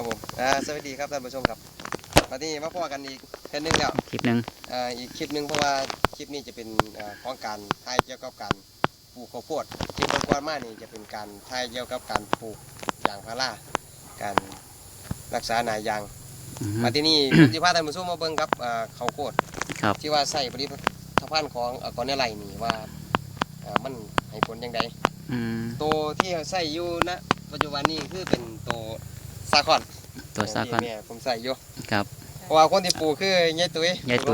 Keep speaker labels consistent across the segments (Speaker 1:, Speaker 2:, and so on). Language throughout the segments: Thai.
Speaker 1: ครับผมสวัสดีครับท่านผู้ชมครับตอนนี้มาพอกันอีกคลิปนึงแล้ว
Speaker 2: คลิปหนึ่ง
Speaker 1: อีกคลิปนึงเพราะว่าคลิปนี้จะเป็นของการถ่ายเกี่ยวกับการปลูกข้าวโพดคลิปก่อนๆมานี่จะเป็นการถ่ายเกี่ยวกับการปลูกยางพาราการรักษาหนายางมาที่นี่ ผมจะพาท่านผู้ชมมาเบิ่งกับข้าวโพดที่ว่าใส่ผลิตภัณฑ์ของกรเนไลนี่ว่ามันให้ผลยังไงตัวที่ใส่อยู่ณปัจจุบันนี้คือเป็นตัวซาคอนเนี่ยผมใส่อยู่
Speaker 2: ครับ
Speaker 1: เพราะว่าคนที่ปลูกคือยายตุ้ย
Speaker 2: ยายตุ้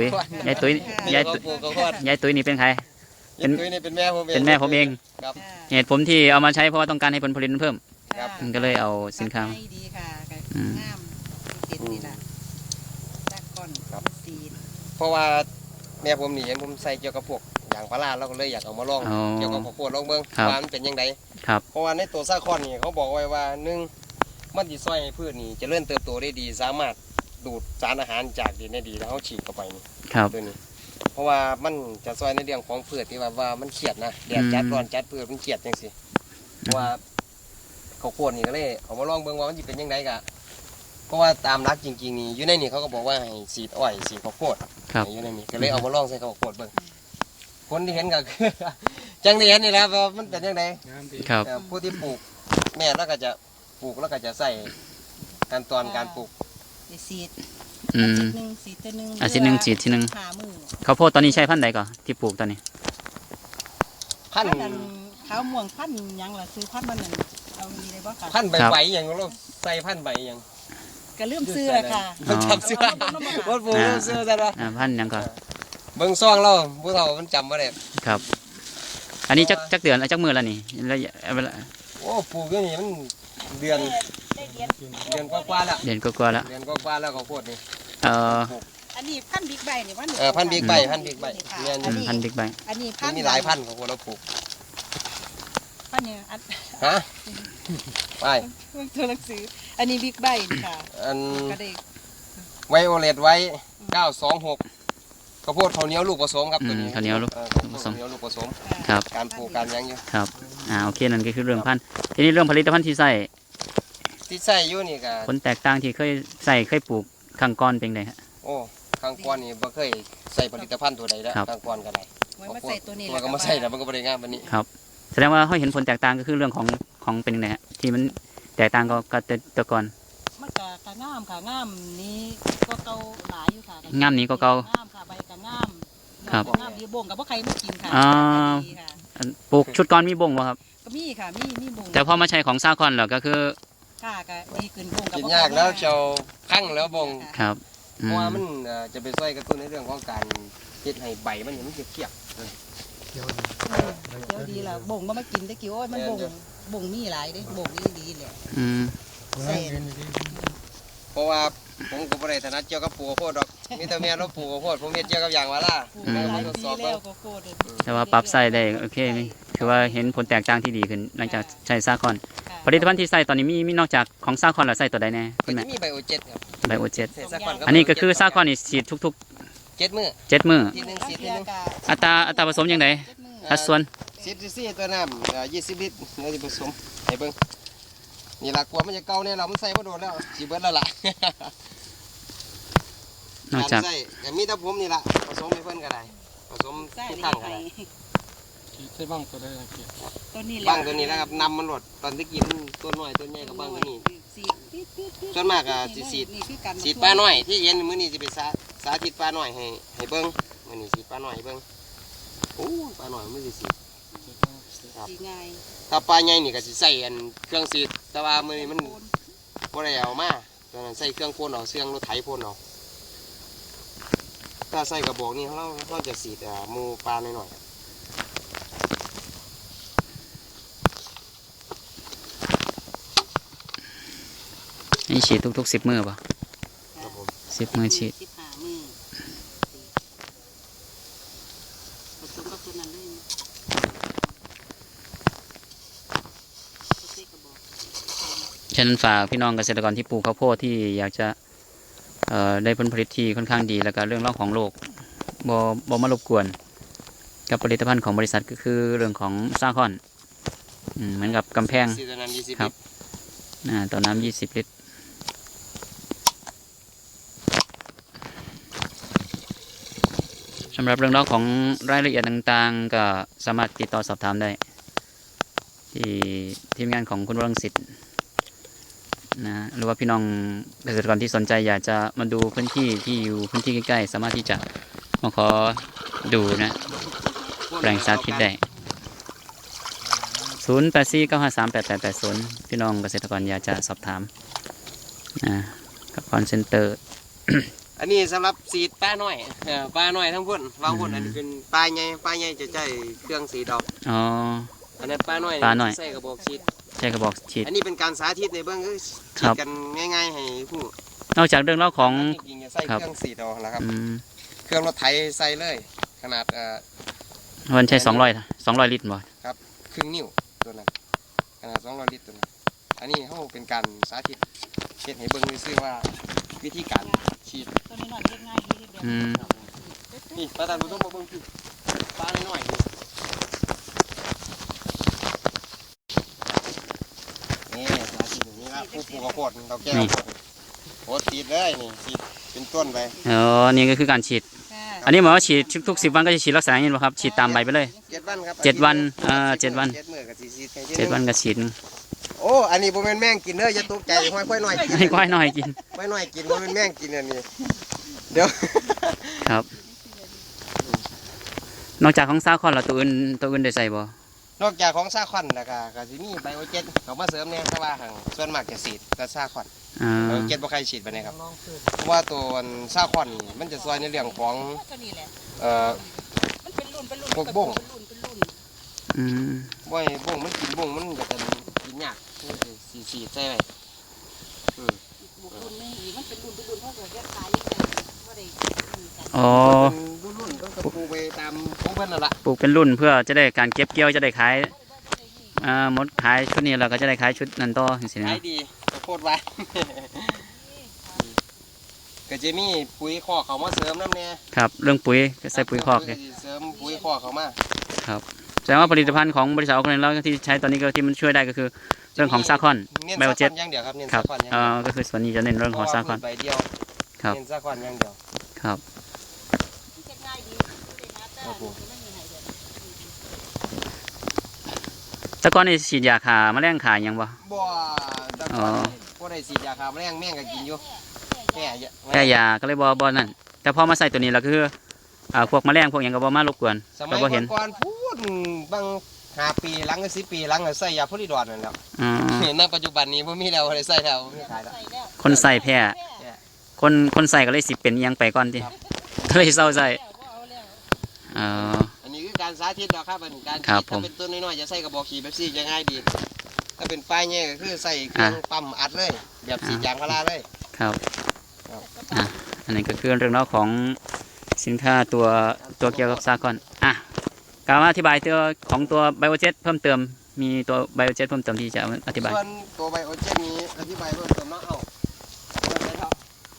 Speaker 2: ยนี่เป็นใคร
Speaker 1: ยายตุ้ยนี่เป็นแม่ผมเอง
Speaker 2: ครับเหตุผมที่เอามาใช้เพราะว่าต้องการให้ผลผลิตเพิ่มก็เลยเอาสินค้า
Speaker 3: ดีค่ะงามติดนี่แหละจากก้อนสี
Speaker 1: เพราะว่าแม่ผมนี่เห็นผมใส่เกี่ยวกับพวกอย่างพาราเราก็เลยอยากเอามาลองเกี่ยวกับข้าวโพดลองเบิ่งว่ามันเป็นยังไงเพราะว่าในตัวซาคอนนี่เขาบอกไว้ว่า1มันจะช่วยให้พืชนี่เจริญเติบโตได้ดีสามารถดูดสารอาหารจากดินได้ดีแล้วเขาฉีดเข้าไปนี่ตัวนี้เพราะว่ามันจะช่วยในเรื่องของพืชที่ว่ามันเครียดนะแดดจัดร้อนจัดพืชมันเครียดจังสิเพราะว่าข้าวโพดนี่ก็เลยเอามาลองเบิ่งว่ามันจะเป็นยังไงกะเพราะว่าตามรักจริงๆนี่อยู่ในนี่เขาก็บอกว่าให้สีดอ้อยสีข้าวโพดอยู่ในนี่ก็เลยเอามาลองใส่ข้าวโพดเบิ่งคนที่เห็นก็คือจังที่เห็นนี่แหละว่ามันเป็นยังไงผู้ที่ปลูกแม่แล้วก็จะปลูกแล้วก็จะใส่ขั้นตอนการปลูก
Speaker 3: สีดสีดหนึ่ง
Speaker 2: ฉีดทีหนึ่งข้าวโพดตอนนี้ใช้พันธุ์ใดก่อนที่ปลูกตอนนี้
Speaker 3: พันธุ์ข้าวม่วงพันธุ์ยังล่ะซื้อพันธุ์มันเอามีอะไรบ้างคะ
Speaker 1: พันธุ์ใบอย่างเราใส่พันธุ์ใบอย่าง
Speaker 3: ก็เริ่มซื้อค่ะ
Speaker 1: จำซื้อวัดปูเริ่มซื้อใช่ไหม
Speaker 2: พันธุ์ยังก่อน
Speaker 1: เบิ้งซ่องเราผู้เฒ่ามันจำมาได้
Speaker 2: ครับอันนี้จักเดือนจักมือแล้วนี่
Speaker 1: โอ้ปลูกอย่างนี้มันเดือนกว่าแล้ว
Speaker 2: เดือนกว่าแล้ว
Speaker 1: ข้าวโพดนี่
Speaker 3: อันนี้พันธุ์บิ๊กใบนี่ว่า
Speaker 1: พันธุ์บิ๊กใบ
Speaker 2: พันธุ์บิ๊กใบ
Speaker 3: อันนี้พันธุ์
Speaker 1: มีหลายพันธุ์ของพวกเราปลูก
Speaker 3: พันธุ์เนี่ย
Speaker 1: ฮะไป
Speaker 3: ตัวหนังสืออันนี้บิ๊กใบค่ะ
Speaker 1: อันไวโอเลตไว้926ข้าวโพดข้าวเหนียวลูกผสมครับตัวนี้
Speaker 2: ข้าวเหนียวลูก
Speaker 1: ผสม
Speaker 2: ครับ
Speaker 1: การปลูกการยังอยู่
Speaker 2: ครับโอเคนั่นก็คือเรื่องพันธุ์ทีนี้เรื่องผลิตภัณฑ์ที่ใส่
Speaker 1: อยู่นี่ก็
Speaker 2: ผลแตกต่างที่เคยปลูกข้างก้อนเป็นไงฮะ
Speaker 1: โอ้ข้างก้อนนี่บ่เคยใส่ผลิตภัณฑ์ตัวใดแล้วข้างก้อนก็ได้
Speaker 3: มาใส่ตัวนี้
Speaker 1: แล้วก็มาใส่แล้วมันก็บ่ได้งามแบบนี้
Speaker 2: ครับแสดงว่าเขาเห็นผลแตกต่างก็คือเรื่องของเป็นยังไงฮะที่มันแตกต่างกับแต่ก่อน
Speaker 3: มันก็งามค่ะงามนี้ก็เก่าหลายอยู่ค่ะ
Speaker 2: งามนี้ก็เก่าง
Speaker 3: ามค่ะใบก็งามครับงามดีบ่งกับว่าใครไม่กินค่ะ
Speaker 2: ปลูกชุดก้อนมีบ่งป่ะครับ
Speaker 3: ก็มีค่ะมีบ่ง
Speaker 2: แต่พอมาใช้ของซาคอนแล้วก็คือ
Speaker 3: ค่ะก็ดีขึ้นบ่งกับ
Speaker 1: กินยากแล้วเจ้าพังแล้วบ่ง
Speaker 2: ครับ
Speaker 1: เพราะว่ามันจะไปช่วยกระตุ้นในเรื่องของการเฮ็ดให้ใบมันเขียว
Speaker 3: เดี๋ยวดีแล้วบ่งมากินได้กี่โอ้ยมันบ่งมีหลายเด้บ่งดีแหละ
Speaker 1: เพราะว่าผมก็บ่ได้ถนัดเกี่ยวกับปลูกข้าวโพดดอกมีแต่แม่เราปลูกข้าวโพดผมเฮ็ดเกี่ยวกับยางพาราทดสอบ
Speaker 2: แต่ว่าปรับใส่ได้โอเคนี่คือว่าเห็นผลแตกต่างที่ดีขึ้นหลังจากใช้ซาคอนผลิตภัณฑ์ที่ใส่ตอนนี้มีนอกจากของซาคอนแล้วใส่ตัวใดแน่
Speaker 1: คุณแม่มีไบโอเจ็ตครับ
Speaker 2: ไบโอเจ็ตอันนี้ก็คือซาคอนนี่ฉีดทุก
Speaker 1: ๆ7 มื้อ
Speaker 2: อัตราผสมยังไงสัดส่วน
Speaker 1: 10 cc ตัวน้ำ20 ลิตรเนื้อที่ผสมให้เบิ่งนี่ล่ะกลัวมันจะเก่าเนี่ยเรามันใส่บ่โดนแล้วสิเบิดแล้วล่ะ
Speaker 2: นอกจาก
Speaker 1: มีแต่ผมนี่ล่ะผสมให้เพิ่นก็ได้ผสมทุกครั้งก็ได้
Speaker 4: ใช่บ้างตัวได้
Speaker 3: ตัวนี้
Speaker 1: บ้างตัวนี้แล้วครับนำมันหลดตอนที่กินตัวน้อยตัวใหญ่กับบ้างตัวนี้ส่วนมากก็สิสีดปลาน้อยที่เย็นมื้อนี้สิไปสาธิตปลาน้อยให้เบิ่งมื้อนี้สีดปลาน้อยให้เบิ่งโอ้ปลาน้อยมันสิสี
Speaker 3: ง่าย
Speaker 1: ถ้าปลาใหญ่นี่ก็สิใส่เครื่องสีดแต่ว่ามื้อนี้มันบ่ได้เอามาตอนนั้นใส่เครื่องพ่นเอาเครื่องรถไถพ่นเอาถ้าใส่กระบอกนี่เราจะสีดหมูปลาหน่อย
Speaker 2: นี่ฉีดทุก10 มื้อป่ะ10 มื้อฉีดฉะนั้นฝากพี่น้องเกษตรกรที่ปลูกข้าวโพดที่อยากจะได้ผลผลิตที่ค่อนข้างดีแล้วก็เรื่องของโรคบ่มารบกวนกับผลิตภัณฑ์ของบริษัทก็คือเรื่องของซาคอนเหมือนกับกำแพงครับต่อน้ำ20 ลิตรสำหรับเรื่องราวของรายละเอียดต่างๆก็สามารถติดต่อสอบถามได้ที่ทีมงานของคุณวรังสิทธิ์นะหรือว่าพี่น้องเกษตรกรที่สนใจอยากจะมาดูพื้นที่ที่อยู่พื้นที่ใกล้ๆสามารถที่จะมาขอดูนะแปลงสาธิตได้0849538880พี่น้องเกษตรกรอยากจะสอบถามนะกับคอนเซ็นเตอร์
Speaker 1: อันนี้สำหรับสีดปลาน้อยปลาน้อยทั้งพุ่นวางพุ่นอันนี้เป็นปลาใหญ่จะใช้เครื่องสีดอก
Speaker 2: อ๋อ
Speaker 1: อันนั้นปลาน้อย
Speaker 2: ปลาน้อย
Speaker 1: ใส่กระบอกฉีด
Speaker 2: ใช้กระบอกฉีด
Speaker 1: อันนี้เป็นการสาธิตในเบื้องคือ
Speaker 2: ครั
Speaker 1: ฉีด
Speaker 2: บ
Speaker 1: กันง่ายๆให้ผู้
Speaker 2: นอกจากเรื่องเล่าวของ
Speaker 1: จริงๆจะใส่
Speaker 2: ครับ
Speaker 1: เครื่องสีดอกนะครับ
Speaker 2: อืม
Speaker 1: เครื่องรถไถใส่เลย ขนาด
Speaker 2: มันใช้200ลิตรบ่
Speaker 1: ครึ่งนิ้วตัวนั้นขนาด200 ลิตรตัวนั้นอันนี้เขาเป็นการสาธิตเฮ็ดให้เบิ่งซื่อๆว่าวิธีการฉีด
Speaker 3: ตัวนี้หน่อยเล็กง่ายดีเดียว
Speaker 2: อืม
Speaker 1: นี่ประธานผู้ชมมาเบิ่งพี่ปลาน้อยๆนี่สาธิตอย่างนี้ละผู้ปลูกข้าวโพดเราแก้ข้าวโพดโพดฉีดเลยนี่ฉีดเป็นต้นไป
Speaker 2: อ๋อนี่ก็คือการฉีด อันนี้หมายว่าฉีดทุก10 วันก็จะฉีดลักษณะอย่างนี้ป่ะครับฉีดตามใบไปเลย
Speaker 1: 7 วันครับ
Speaker 2: 7 วัน7 วัน
Speaker 1: 7 มื้อก็สิฉีดให้
Speaker 2: 7 วันก็ฉีด
Speaker 1: โอ้อันนี้บ่แม่นแม่งกินเด้ออย่าตกใจห้อยค่อยน้อยกิน
Speaker 2: ให้ควายหน่อยกิน
Speaker 1: ค่อยน้อยกินบ่แม่นแม่งกินอันนี้เดี๋ยว
Speaker 2: ครับ นอกจากของซาคอนแล้วตัวอื่นได้ใส่บ่
Speaker 1: นอกจากของซาคอนแล้วก็สิมีไบโอเจ็ตเขามาเสริมเนี่ยแต่ว่าหั่งส่วนมากจะฉีดก็ซาคอน
Speaker 2: อ่า
Speaker 1: ไบโอเจ็ตบ่ใครฉีดไปนะครับเพราะว่าตัวซาคอนนี่มันจะช่วยในเรื่องของ
Speaker 3: ตัวนี้แหละ
Speaker 1: เอ่อ
Speaker 3: มันเป็นรุ่นเป็นรุ่น
Speaker 1: พวกบ้ง
Speaker 3: เป็นรุ่น
Speaker 2: อืม
Speaker 1: บ่ให้บ่งมันกินบ่งมันก็จะกินยากสีดใส่ไว้
Speaker 3: บุกรุ่นไม่หีมันเป็นรุ่นเพราะเกิดแยกขายยังไงว่าได้
Speaker 2: อ๋อ
Speaker 1: เป็นรุ่นๆต้องกระปูไปตามของเพิ่นนั่นล่ะ
Speaker 2: ปลูกเป็นรุ่นเพื่อจะได้การเก็บเกี่ยวจะได้ขายหมดขายชุดนี้เราก็จะได้ขายชุดนั้นต่อจังซี่นะ
Speaker 1: ขายดีข้าวโพดไว้ ก็จะมีปุ๋ยคอกเขามาเสริมน้ำเนี่ย
Speaker 2: ครับเรื่องปุ๋ยก็ใส่ปุ๋ยคอก
Speaker 1: เล
Speaker 2: เลย ย
Speaker 1: เสริมปุ๋ยคอกเขามา
Speaker 2: ครับแสดงว่าผลิตภัณฑ์ของบริษัทออร์แกนิกเราที่ใช้ตอนนี้ก็ที่มันช่วยได้ก็คือเรื่องของซาคอน
Speaker 1: เน้น
Speaker 2: ไบโอ
Speaker 1: ซาค
Speaker 2: เจ็
Speaker 1: อ
Speaker 2: ต
Speaker 1: นอย่างเดียวครับเน้น
Speaker 2: ครั
Speaker 1: ซา
Speaker 2: บ
Speaker 1: คอนอย่างเดียว
Speaker 2: ก็คือส่วนนี้จะเน้นเรื่องของซาคอน
Speaker 1: ใบเดียว
Speaker 2: ครับ
Speaker 1: เน้นซาคอนอย่างเดียว
Speaker 2: ครับ
Speaker 3: ง่ายดี
Speaker 1: ครับผม
Speaker 2: แต่ก่อนนี่ฉีดยาฆ่าแมลงฆ่าหยังบ่
Speaker 1: บ่แต่
Speaker 2: อ๋
Speaker 1: ก่
Speaker 2: อ
Speaker 1: อนบ่ได้ฉีดยาฆ่าแมลงแม่งก็กินอยู่แค่เยอะ
Speaker 2: แค่ยาก็เลยบ่นั่นแต่พอมาใส่ตัวนี้เราก็คือพวกแมลงพวกหยังก็บ่มารบกวน
Speaker 1: สมั
Speaker 2: ก็
Speaker 1: ย
Speaker 2: บ่เห็น
Speaker 1: ก่อนๆพูดบาง5 ปีหลังก็10 ปีหลังก็ใส่ยาโพลิดอดนั่นแหล้ว
Speaker 2: อ๋อ
Speaker 1: ณปัจจุบันนี้บ่มีแล้วบ่ได้ใส่แล้วบ่มีขายแล้ว
Speaker 2: คนใส่แพ้คนใส่ก็เลยสิเป็นอิหยังไปก่อนติก็เลยเศร้าใส่อ๋อ
Speaker 1: อันนี้คือการสาธิตดอกครับอันนี้การ
Speaker 2: ครับ
Speaker 1: ฉีดถ้าเป็นต้นน้อยๆจะใส่กระบอกขี่แบบซี่จะง่ายดี ถ้าเป็นปลายใหญ่ก็คือใส่เครื่องปั๊มอัดเลยแบบฉีดยางพาราเลย
Speaker 2: ครับ
Speaker 1: ครับ
Speaker 2: อันนี้ก็คือเรื่องราวของสินค้าตัวเกี่ยวกับซาคอนการอธิบายตัวของตัวไบโอเจ็ตเพิ่มเติมมีตัวไบโอเจ็ตเพิ่มเติมที่จะอธิบาย
Speaker 1: ส่วนตัวไบโอเจนนี้อธิบายเพิ่มเติมเนาะเอาเริ่มเลยครับ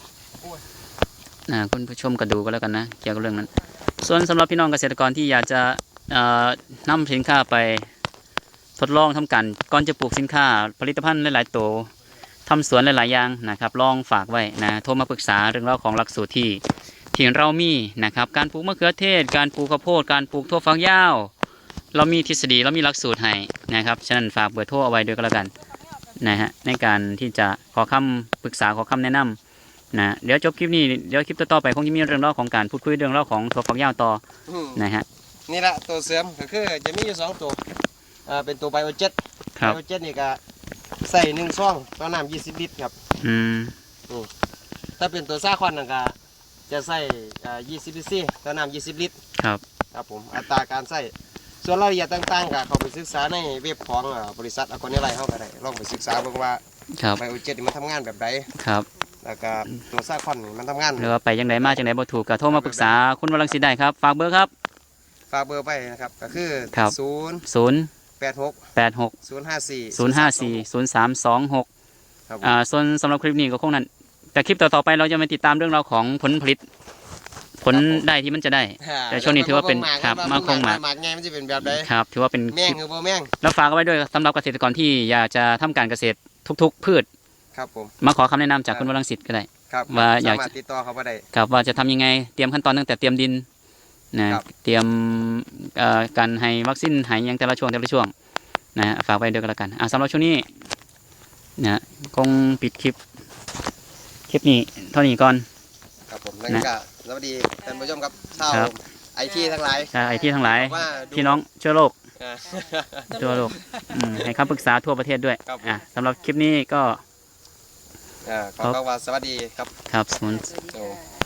Speaker 2: คุณผู้ชมก็ดูก็แล้วกันนะเกี่ยวกับเรื่องนั้น ส่วนสำหรับพี่น้องเกษตรกรที่อยากจะนำสินค้าไปทดลองทำกันก่อนจะปลูกสินค้าผลิตภัณฑ์หลายๆตัวทำสวนหลายๆอย่างนะครับลองฝากไว้นะโทรมาปรึกษาเรื่องราวของหลักสูตรที่เรามีนะครับการปลูกมะเขือเทศการปลูกข้าวโพดการปลูกถั่วฝักยาวเรามีทฤษฎีเรามีหลักสูตรให้นะครับฉะนั้นฝากเบอร์โทรเอาไว้ด้วยก็แล้วกันนะฮะในการที่จะขอคำปรึกษาขอคำแนะนำนะเดี๋ยวจบคลิปนี้เดี๋ยวคลิปต่อๆไปคงจะมีเรื่องเล่าของการพูดคุยเรื่องเล่าของถั่วฝักยาวต่อ
Speaker 1: อืม
Speaker 2: นะฮะ
Speaker 1: นี่แหละตัวเสริมก็คือจะมีอยู่2ตัวเป็นตัวไบโอเจ็ต
Speaker 2: ครั
Speaker 1: ไบบ โอเจ็ตนี่ก็ใส่1ซองต่อน้ำ20 ลิตรครับ
Speaker 2: อืม
Speaker 1: ถ้าเป็นตัวซาคอนนั่นก็จะใส่20 ลิตรต่อน้ำ20 ลิตร
Speaker 2: ครับ
Speaker 1: ครับผมอัตราการใส่ส่วนรายละเอียดต่างๆก็เข้าไปศึกษาในเว็บของบริษัทอควาเนไลเฮาก็ได้ลองไปศึกษาเบิ่งว่า
Speaker 2: ครับ
Speaker 1: ไบโอเจ็ตนี่มันทำงานแบบใด
Speaker 2: ครับ
Speaker 1: แล้วก็ตัวซาคอนนี่มันทำงาน
Speaker 2: หรือว่าไปยังไงมาจังไดบ่ถูกก็โทรมาปรึกษาคุณวรังสีได้ครับฝากเบอร์ครับ
Speaker 1: ฝากเบอร์ไปนะครับก็คือ
Speaker 2: ครับ
Speaker 1: 086
Speaker 2: 086
Speaker 1: 054
Speaker 2: 054 0326
Speaker 1: ครับผม
Speaker 2: ส่วนสำหรับคลิปนี้ก็คงนั้นแต่คลิปต่อๆไปเราจะมาติดตามเรื่องราวของผลผลิตผลได้ที่มันจะได้ แต่ช่วงนี้ถือว่าเป็นครับมาคงหมาก
Speaker 1: หมากไงมันจะเป็นแบบใด
Speaker 2: ครับถือว่าเป็น
Speaker 1: แม่
Speaker 2: ค
Speaker 1: ง
Speaker 2: ลิป
Speaker 1: หรือบ่แม่ง
Speaker 2: แล้วฝากเอาไว้ด้วยสำหรับเกษตรกรที่อยากจะทำการเกษตรทุกๆพืช
Speaker 1: ครับผม
Speaker 2: มาขอคำแนะนำจากคุณวรังสิทธิ์ก็ได้
Speaker 1: ครับ
Speaker 2: ว่าอยาก
Speaker 1: สามารถติดต่อเขาไปได้
Speaker 2: ครับว่าจะทำยังไงเตรียมขั้นตอนตั้งแต่เตรียมดินนะครับ เตรียมการให้วัคซีนให้หยังแต่ละช่วงนะฮะฝากไว้เดียวกันแล้วกันสำหรับช่วงนี้นะคงปิดคลิปนี้เท่านี้ก่อน
Speaker 1: ครับผมแล้วก็สวัสดีท่านผู้ชมครับชาว
Speaker 2: ครับ
Speaker 1: ไอทีทั้งหลาย
Speaker 2: ไอที่ทั้งหลาย
Speaker 1: ว่าดู
Speaker 2: พี่น้องเชื้อโรค
Speaker 1: อ่า
Speaker 2: ทั่วโลกให้คำปรึกษาทั่วประเทศด้วย
Speaker 1: ครับผม
Speaker 2: สำหรับคลิปนี้ก็
Speaker 1: ขอคำว่าสวัสดีครับ
Speaker 2: ครับสมุน
Speaker 1: โอ้